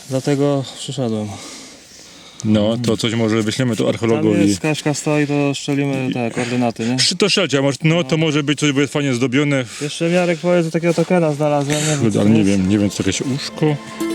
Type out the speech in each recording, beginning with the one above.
Dlatego przyszedłem. No, to coś może wyślemy tu Tam archeologowi. jest, Kaśka stoi, to szczelimy te koordynaty, nie? To strzelcie, no to może być coś, bo jest fajnie zdobione. Jeszcze Miarek powie, że takiego tokena znalazłem, nie wiem, co Ale to nie jest. wiem, co jakieś uszko.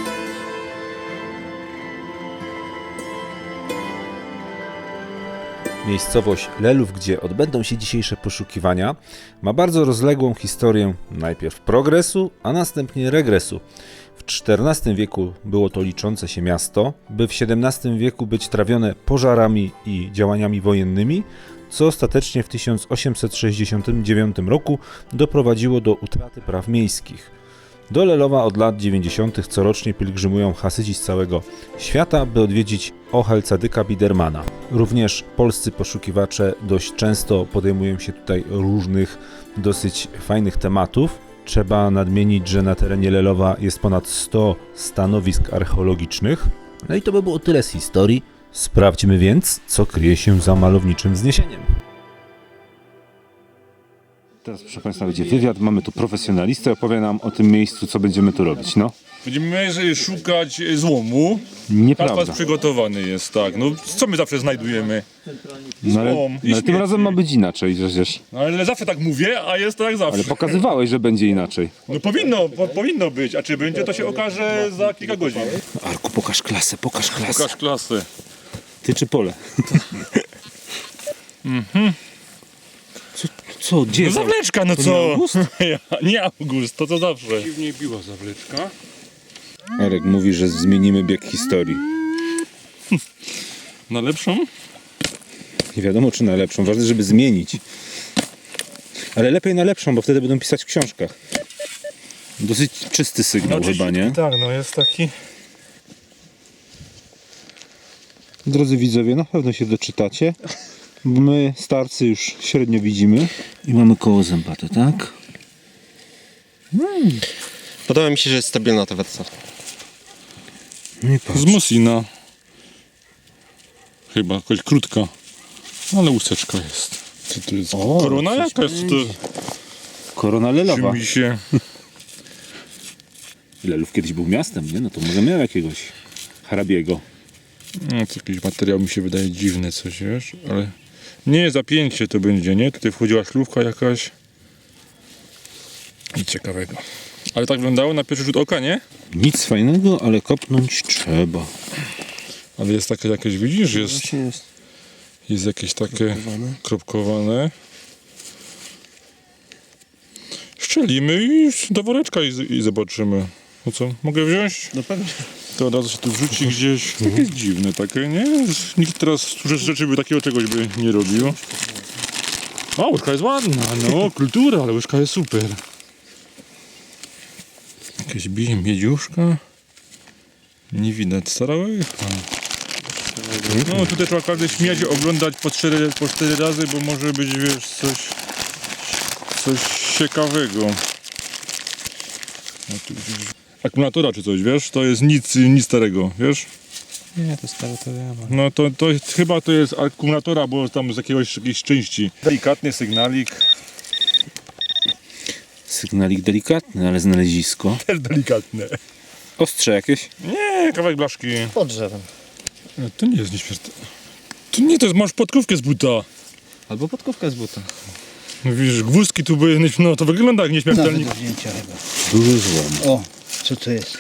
Miejscowość Lelów, gdzie odbędą się dzisiejsze poszukiwania, ma bardzo rozległą historię najpierw progresu, a następnie regresu. W XIV wieku było to liczące się miasto, by w XVII wieku być trawione pożarami i działaniami wojennymi, co ostatecznie w 1869 roku doprowadziło do utraty praw miejskich. Do Lelowa od lat 90. corocznie pielgrzymują Hasydzi z całego świata, by odwiedzić Ohel Cadyka Bidermana. Również polscy poszukiwacze dość często podejmują się tutaj różnych dosyć fajnych tematów. Trzeba nadmienić, że na terenie Lelowa jest ponad 100 stanowisk archeologicznych. No i to by było tyle z historii. Sprawdźmy więc, co kryje się za malowniczym wzniesieniem. Teraz, proszę Państwa, będzie wywiad. Mamy tu profesjonalistę, opowie nam o tym miejscu, co będziemy tu robić. No, Będziemy szukać złomu. nieprawda. Pas przygotowany jest, tak. No, co my zawsze znajdujemy? No, ale złom i tym śmieci. razem ma być inaczej przecież. No, ale zawsze tak mówię, a jest tak zawsze. Ale pokazywałeś, że będzie inaczej. No powinno być, a czy będzie, to się okaże za kilka godzin. Arku, pokaż klasę, pokaż klasę. Pokaż klasę. Ty czy pole? Co? Gdzie No jest? zawleczka, no To co? nie August? Nie August, to co zawsze. Dziwnie biła zawleczka. Arek mówi, że zmienimy bieg historii. Na lepszą? Nie wiadomo, czy na lepszą. Ważne, żeby zmienić. Ale lepiej na lepszą, bo wtedy będą pisać w książkach. Dosyć czysty sygnał chyba, nie? Tak, no jest taki. Drodzy widzowie, na pewno się doczytacie. Bo my, starcy, już średnio widzimy. I mamy koło zębate, tak? Podoba mi się, że jest stabilna ta wersja. No i patrz. Z Mosina. Chyba, jakoś krótka. Ale łuseczka jest. Co to jest? O, Korona coś jakaś? To Korona Lelowa. mi się... Lelów kiedyś był miastem, nie? No to może miał jakiegoś hrabiego. No, to jakiś materiał mi się wydaje dziwny coś, wiesz? Ale... Nie, zapięcie to będzie, nie? Tutaj wchodziła szlówka jakaś. Nic ciekawego. Ale tak wyglądało na pierwszy rzut oka, nie? Nic fajnego, ale kopnąć trzeba. Ale jest takie jakieś, widzisz? Jest jakieś takie kropkowane. Szczelimy i do woreczka i zobaczymy. No co, mogę wziąć? No pewnie. To od razu się tu wrzuci gdzieś. Takie jest dziwne takie, nie? Nikt teraz rzeczy by takiego czegoś by nie robił. A, łyżka jest ładna, no, kultura, ale łyżka jest super. Jakieś miedziuszka. Nie widać, stara łyżka. No, tutaj trzeba każdy śmiać oglądać po 4 razy, bo może być, wiesz, coś ciekawego. No, tu gdzieś... Akumulatora czy coś, wiesz? To jest nic starego, wiesz? Nie, to stare to wiem. No to chyba to jest akumulatora, bo tam z jakiejś części. Delikatny sygnalik. Sygnalik delikatny, ale znalezisko. Też delikatne. Ostrze jakieś? Nie, kawałek blaszki. Pod drzewem. To nie jest nieśmiertelne. To nie, to jest, masz podkówkę z buta. Albo podkówka z buta. No widzisz, gwózdki tu były, no to wygląda jak nieśmiertelnik. Do wzięcia chyba. Duży złom. O, co to jest?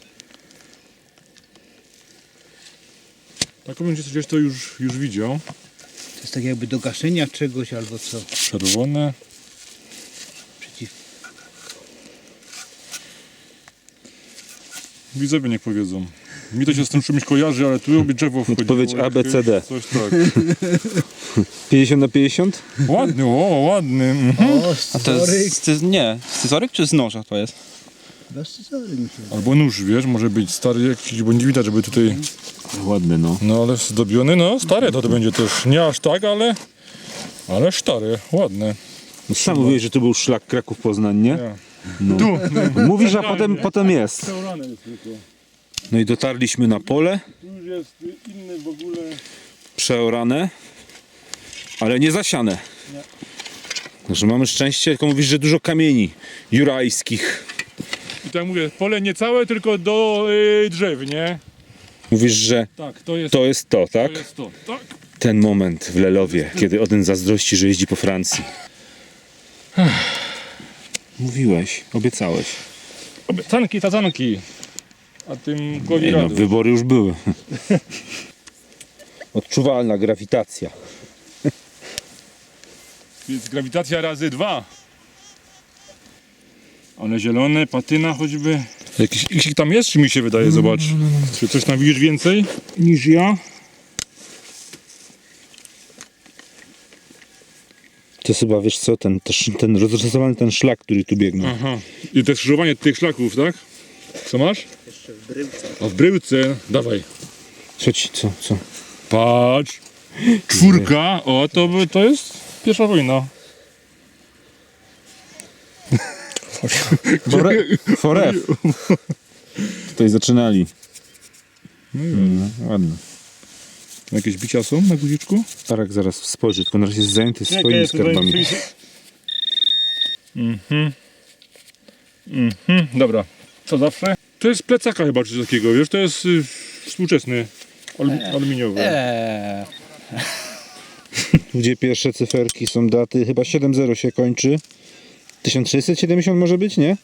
Taką będzie gdzieś to już widział. To jest tak jakby do gaszenia czegoś albo co? Czerwone. Przeciw... Widzowie niech powiedzą. Mi to się z tym czymś kojarzy, ale tu robi drzewo wchodzi. Odpowiedź A, B, C, D. Coś tak. 50/50? Ładny, ładny. Mhm. O, A to jest, nie, scyzoryk czy z noża to jest? scyzoryk mi się. Albo nóż, wiesz, może być stary jakiś, bo nie widać, żeby tutaj... Ładny, no. No ale zdobiony, no stare to będzie też. Nie aż tak, ale stare, ładne. No sam mówiłeś, że tu był szlak Kraków-Poznań, nie? Ja. No. Tu, Mówisz, a potem jest. Przeorane jest tylko. No i dotarliśmy na pole, Tu już jest inny w ogóle. przeorane, ale nie zasiane. Także mamy szczęście, tylko mówisz, że dużo kamieni jurajskich. I tak mówię, pole nie całe, tylko do drzew, nie? Mówisz, że Tak, to jest to, tak? to. Jest to. Tak. Ten moment w Lelowie, kiedy Odyn zazdrości, że jeździ po Francji. Mówiłeś, obiecałeś. Obiecanki, tazanki. A tym głowie Nie no, radu. wybory już były. Odczuwalna grawitacja. Jest grawitacja razy 2. One zielone, patyna choćby. Jakiś tam jest, czy mi się wydaje, zobacz. Czy coś tam widzisz więcej niż ja? To jest chyba, wiesz co, ten rozrysowany ten szlak, który tu biegnie. Aha. I to skrzyżowanie tych szlaków, tak? Co masz? Jeszcze w bryłce. A w bryłce? Dawaj. Co? Patrz. 4. O, to jest pierwsza wojna. Foref. Tutaj zaczynali. No, ładnie. Jakieś bicia są na guziczku? Tarek zaraz spojrzy, tylko na razie jest zajęty swoimi skarbami. Dobra. Co zawsze? To jest plecaka chyba czy coś takiego, wiesz? To jest współczesny. Aluminiowy. Gdzie pierwsze cyferki są daty, chyba 7-0 się kończy. 1670 może być, nie?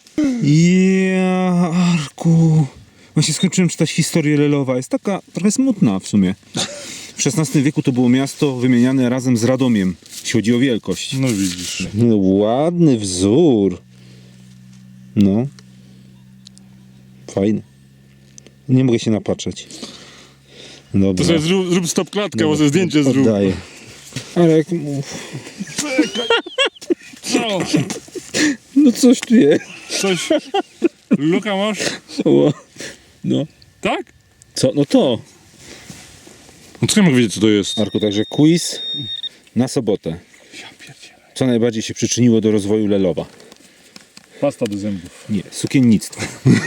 Arku. Właśnie skończyłem czytać historię Lelowa. Jest taka trochę smutna w sumie. W XVI wieku to było miasto wymieniane razem z Radomiem, jeśli chodzi o wielkość. No widzisz. No, ładny wzór. No. Fajny. Nie mogę się napatrzeć. Dobra. To sobie zrób stop klatkę, może zdjęcie zrób. Oddaję. Ale jak mów. Co? No coś tu jest. Coś. Luka masz? No. Tak? Co? No to. No co ja mogę wiedzieć co to jest? Arku, także quiz na sobotę. Co najbardziej się przyczyniło do rozwoju Lelowa? Pasta do zębów. Nie, sukiennictwo.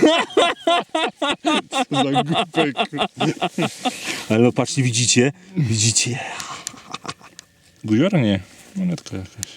Za głupek. Ale no patrzcie, widzicie? Widzicie? Guziora nie. Monetka jakaś.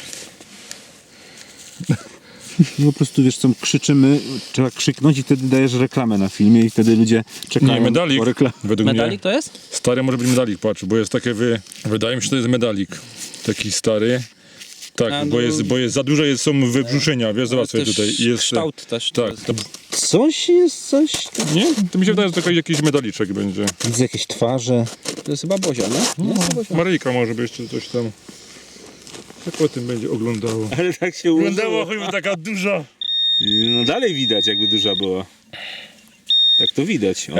No po prostu wiesz co, krzyczymy, trzeba krzyknąć i wtedy dajesz reklamę na filmie i wtedy ludzie czekają Nie, medalik. po reklamę. Według Medalik mnie. to jest? Stary może być medalik, patrz, bo jest takie wydaje mi się, że to jest medalik. Taki stary. Tak, A, no. bo jest za dużo są wybrzuszenia, wiesz, zobacz sobie Też tutaj. Jest, kształt też. tak, to, Coś jest, coś. nie? To mi się wydaje, że to jakiś medaliczek będzie. Widzę jakieś twarze. To jest chyba Bozia, nie? Nie, to Bozia. Maryjka może by jeszcze coś tam. Tak o tym będzie oglądało. Ale tak się Oglądała choćby taka duża. No dalej widać, jakby duża była. Tak to widać. O.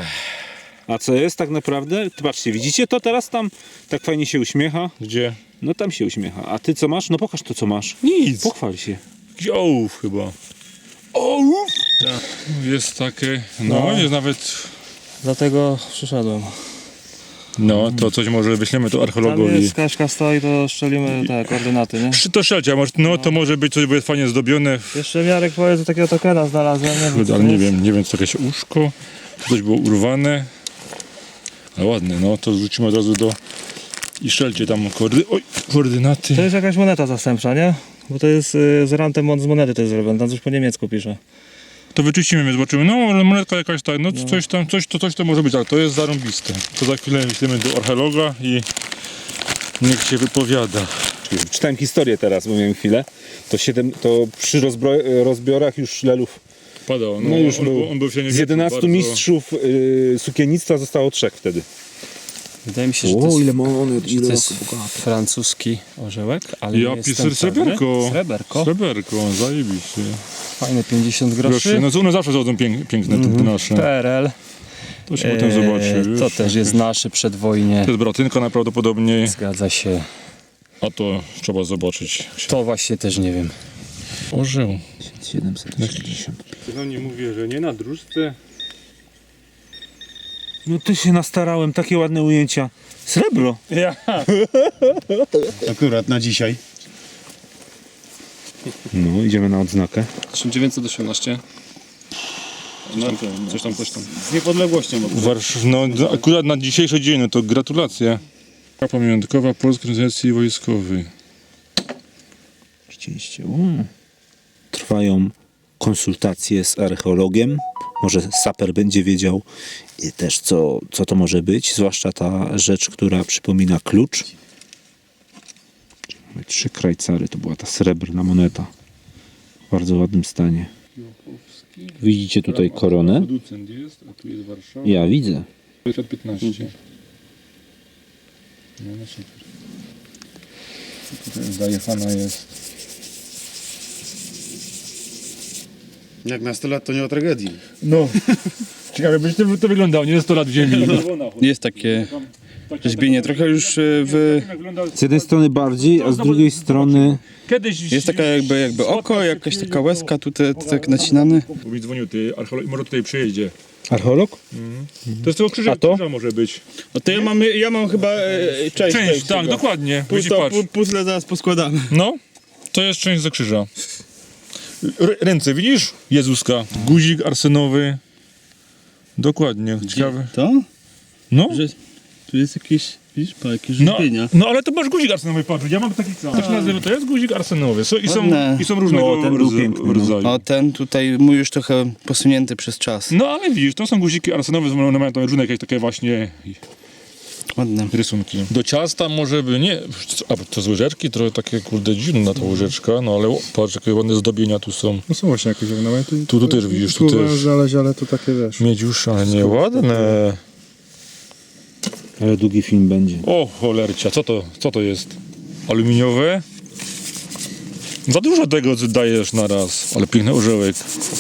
A co jest tak naprawdę? Patrzcie, widzicie to teraz tam? Tak fajnie się uśmiecha. Gdzie? No tam się uśmiecha. A ty co masz? No pokaż to, co masz. Nic. Pochwal się. Jakiś ołów chyba. Ołów? Tak. Jest takie, no jest nawet, Dlatego przyszedłem. no to coś może wyślemy to Tam archeologowi. jest Kaśka stoi, to strzelimy te koordynaty, nie? To szelcia, no to może być coś, bo jest fajnie zdobione. Jeszcze Miarek powie, że takiego tokena znalazłem, nie wiem co Ale to nie jest. wiem, czy to jakieś uszko, czy coś było urwane. Ale ładne, no to zwrócimy od razu do i szelcie tam koordynaty. To jest jakaś moneta zastępcza, nie? Bo to jest z rantem z monety to jest zrobione, tam coś po niemiecku pisze. To wyczyścimy, zobaczymy. No, ale monetka jakaś tak, no coś to może być, ale to jest zarąbiste. To za chwilę myślimy do archeologa i niech się wypowiada. Czytałem historię teraz, bo miałem chwilę. To przy rozbiorach już Lelów. Padał, No już on był. był w Z 11 mistrzów sukiennictwa zostało 3 wtedy. Wydaje mi się, że to jest, monet, że to jest francuski orzełek, ale nie Ja jestem pisałem pewny. sreberko. Sreberko. Sreberko, zajebiście. Fajne 50 groszy. Proszę, no to one zawsze są piękne te nasze. PRL. To się potem zobaczy. To wiesz. też jest nasze przedwojnie. To jest bratynka najprawdopodobniej, Zgadza się. a to trzeba zobaczyć. To właśnie też nie wiem. Orzeł. 760. No nie mówię, że nie na dróżce. No to się nastarałem, takie ładne ujęcia. Srebro. Ja. Akurat na dzisiaj. No, idziemy na odznakę. 1918. Coś tam. Z niepodległością. No akurat na dzisiejszy dzień, no to gratulacje. Pamiątkowa Polskiej Organizacji Wojskowej. Rzeczywiście. Trwają konsultacje z archeologiem. Może saper będzie wiedział też, co to może być, zwłaszcza ta rzecz, która przypomina klucz. Mamy 3 krajcary, to była ta srebrna moneta. W bardzo ładnym stanie. Widzicie tutaj koronę? Producent jest, a tu jest Warszawa. Ja widzę. 15. No, no super. Tutaj zajechana jest. Jak na 100 lat to nie o tragedii. No. Ciekawe, będzie to wyglądało, nie 100 lat w ziemi. Jest takie rzeźbienie, trochę już w... Z jednej strony bardziej, a z drugiej strony... Kiedyś Jest taka jakby oko, jakaś taka łezka tutaj tak nacinane. Bo mi dzwonił ty, archeolog, może tutaj przyjeździe. Archeolog? To jest tego krzyża, A to? krzyża może być. No to ja mam chyba część Tak, dokładnie. Patrz. Puzzle zaraz poskładamy. No, to jest część za krzyża. Ręce, widzisz? Jezuska. Guzik arsenowy. Dokładnie, ciekawe. To? No, Że tu jest jakieś, widzisz, jakieś no, rzeźbienia. no ale to masz guzik arsenowy, patrz. Ja mam taki sam. To się nazywa, to jest guzik arsenowy. Ładne. I są różnego No, ten był piękny, no. rodzaju. O, ten tutaj mój już trochę posunięty przez czas. No ale widzisz, to są guziki arsenowe, one mają tam różne jakieś takie właśnie Ładne. rysunki. Do ciasta może by nie, a to z łyżeczki, trochę takie kurde dziwna ta łyżeczka, no ale patrz jakie ładne zdobienia tu są. No są właśnie jakieś ornamenty. Tu też widzisz, tu też. znaleźć, ale to takie wiesz. Miedziusz, ale nie ładne. Ale długi film będzie. O cholercia, co to jest? Aluminiowe? Za dużo tego dajesz na raz, ale piękny orzełek.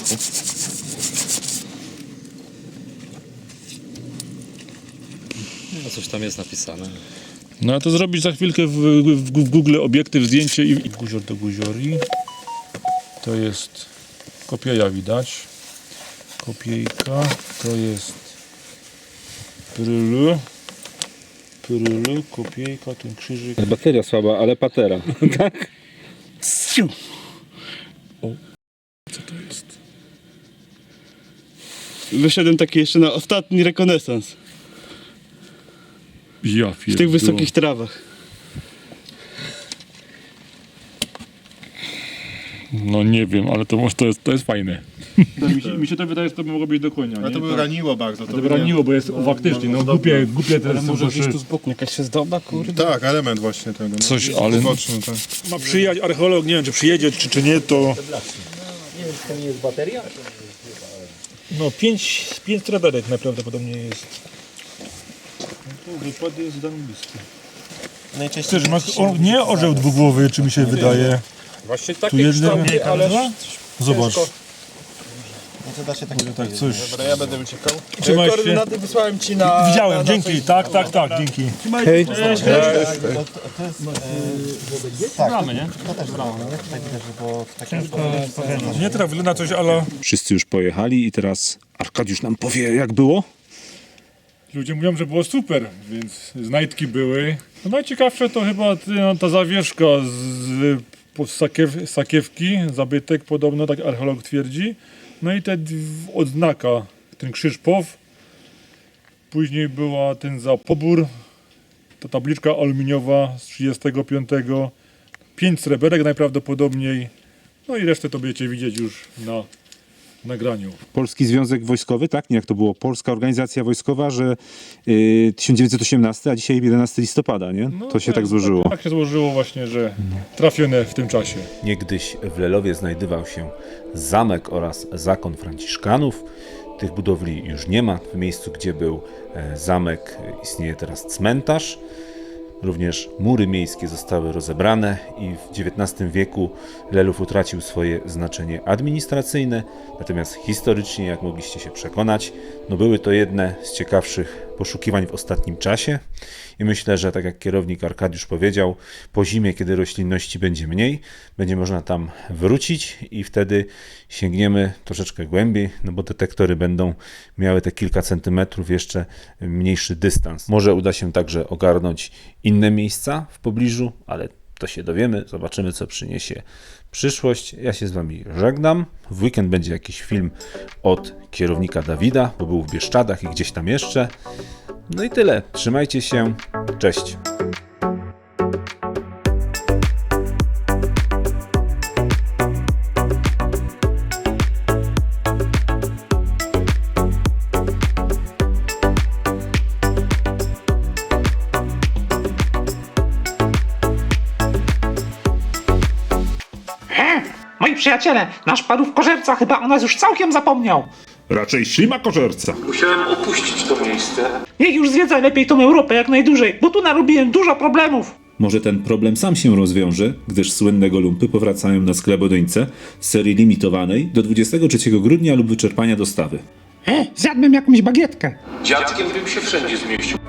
No coś tam jest napisane. No a to zrobić za chwilkę w Google obiektyw, zdjęcie i guzior do guziori. To jest kopieja widać. Kopiejka. To jest prylu. Prylu, kopiejka, ten krzyżyk. Bateria słaba, ale patera. Co to jest? Wyszedłem taki jeszcze na ostatni rekonesans Ja w tych wysokich trawach. No nie wiem, ale to jest fajne. mi się to wydaje, że to by mogło być do konia. Ale to nie? by raniło bardzo. To by raniło, bo jest faktycznie, no głupie te Może są, gdzieś tu z boku jakaś zdoba, kurde. Tak, element właśnie tego. No. Coś, ale Uboczny, tak. ma przyjechać archeolog, nie wiem czy przyjedzie, czy nie, to... Nie wiem, czy to nie jest bateria? No 5 sreberek najprawdopodobniej jest. No to wypady z Danubisku. Chcesz, masz nie orzeł dwugłowy, czy mi się wydaje. Właśnie Tu takie jest kształty, ale Zobacz. Tak coś. ja będę uciekał. Trzymaj się. Koordynaty wysłałem ci na... Widziałem, dzięki, tak, dzięki. Hej. Bramy, nie? Nie teraz wygląda coś, ale... Wszyscy już pojechali i teraz Arkadiusz nam powie, jak było. Ludzie mówią, że było super, więc znajdki były. No najciekawsze to chyba ta zawieszka z sakiewki, zabytek podobno, tak archeolog twierdzi. No i odznaka, ten krzyż POW. Później była ten za pobór, ta tabliczka aluminiowa z 35. 5 sreberek najprawdopodobniej. No i resztę to będziecie widzieć już na nagraniu. Polski Związek Wojskowy, tak? Nie, jak to było? Polska Organizacja Wojskowa, że 1918, a dzisiaj 11 listopada, nie? No To się tak złożyło. Tak się złożyło właśnie, że trafione w tym czasie. Niegdyś w Lelowie znajdował się zamek oraz zakon Franciszkanów. Tych budowli już nie ma. W miejscu, gdzie był zamek, istnieje teraz cmentarz. Również mury miejskie zostały rozebrane i w XIX wieku Lelów utracił swoje znaczenie administracyjne, natomiast historycznie, jak mogliście się przekonać, no były to jedne z ciekawszych poszukiwań w ostatnim czasie i myślę, że tak jak kierownik Arkadiusz powiedział, po zimie, kiedy roślinności będzie mniej, będzie można tam wrócić i wtedy sięgniemy troszeczkę głębiej, no bo detektory będą miały te kilka centymetrów jeszcze mniejszy dystans. Może uda się także ogarnąć inne miejsca w pobliżu, ale to się dowiemy, zobaczymy co przyniesie przyszłość. Ja się z wami żegnam. W weekend będzie jakiś film od kierownika Dawida, bo był w Bieszczadach i gdzieś tam jeszcze. No i tyle. Trzymajcie się. Cześć. Moi przyjaciele, nasz parówkożerca chyba o nas już całkiem zapomniał. Raczej ślimakożerca. Musiałem opuścić to miejsce. Niech już zwiedza lepiej tą Europę jak najdłużej, bo tu narobiłem dużo problemów. Może ten problem sam się rozwiąże, gdyż słynne Golumpy powracają na Sklepodyńce z serii limitowanej do 23 grudnia lub wyczerpania dostawy. Zjadłbym jakąś bagietkę. Dziadkiem bym się wszędzie zmieścił.